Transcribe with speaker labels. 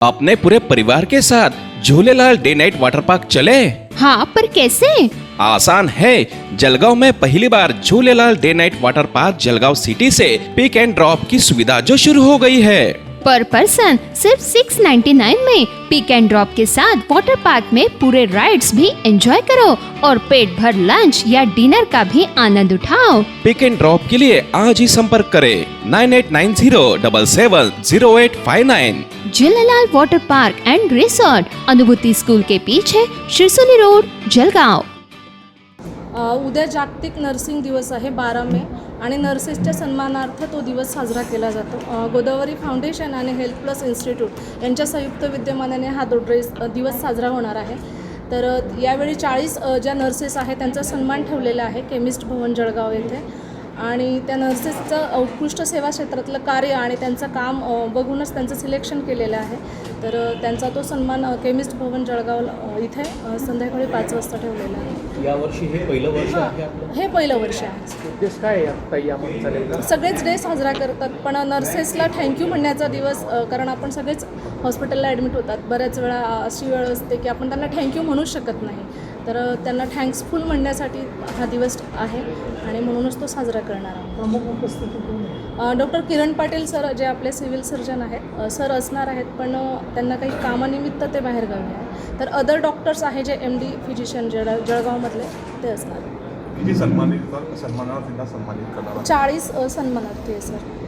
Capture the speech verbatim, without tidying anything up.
Speaker 1: अपने पूरे परिवार के साथ Jhulelal day night water park चले।
Speaker 2: हाँ, पर कैसे?
Speaker 1: आसान है। जलगांव में पहली बार Jhulelal day night water park Jalgaon city से पिक एंड ड्रॉप की सुविधा जो शुरू हो गई है।
Speaker 2: पर पर्सन सिर्फ सिक्स नाइन्टी नाइन में पिक एंड ड्रॉप के साथ वाटर पार्क में पूरे राइड्स भी एंजॉय करो और पेट भर लंच या डिनर का भी आनंद उठाओ।
Speaker 1: पिक एंड ड्रॉप के लिए आज ही संपर्क करें nine eight nine zero double seven zero eight five nine.
Speaker 2: Jhulelal water park and resort, Anubhuti school के पीछे, शिरसोली रोड, जलगांव।
Speaker 3: उद्या जागतिक नर्सिंग दिवस आहे बारा मे आणि नर्सेसच्या सन्मानार्थ तो दिवस साजरा केला जातो। गोदावरी फाउंडेशन आणि हेल्थ प्लस इन्स्टिट्यूट यांच्या संयुक्त विद्यमानाने हा दो ड्रेस दिवस साजरा होणार आहे। तर यावेळी चाळीस ज्या नर्सेस आहेत त्यांचा सन्मान ठेवलेला आहे केमिस्ट भवन जळगाव येथे आणि त्या नर्सेसचं उत्कृष्ट सेवा क्षेत्रातलं कार्य आणि त्यांचं काम बघूनच त्यांचं सिलेक्शन केलेलं आहे। तर त्यांचा तो सन्मान केमिस्ट भवन जळगाव इथे संध्याकाळी पाच वाजता ठेवलेला आहे।
Speaker 4: यावर्षी हे पहिलं वर्ष आहे आपलं?
Speaker 3: हे पहिलं वर्ष आहे।
Speaker 4: उद्देश काय आहे यामध्ये चालेल?
Speaker 3: सगळेच डे साजरा करतात, पण नर्सेसला थँक्यू म्हणण्याचा दिवस, कारण आपण सगळेच हॉस्पिटलला ॲडमिट होतात। बऱ्याच वेळा अशी वेळ असते की आपण त्यांना थँक्यू म्हणू शकत नाही, तर त्यांना थँक्सफुल म्हणण्यासाठी हा दिवस आहे आणि म्हणूनच तो साजरा करणार आहोत।
Speaker 4: प्रमुख उपस्थिती
Speaker 3: डॉक्टर किरण पाटील सर जे आपले सिव्हिल सर्जन आहेत सर असणार आहेत, पण त्यांना काही कामानिमित्त ते बाहेरगावी आहे। तर अदर डॉक्टर्स आहे जे एम डी फिजिशियन जळ जळगावमधले ते असणार।
Speaker 5: किती सन्मानित सन्मानार्थींना सन्मानित करणार?
Speaker 3: चाळीस सन्मानार्थी आहे सर।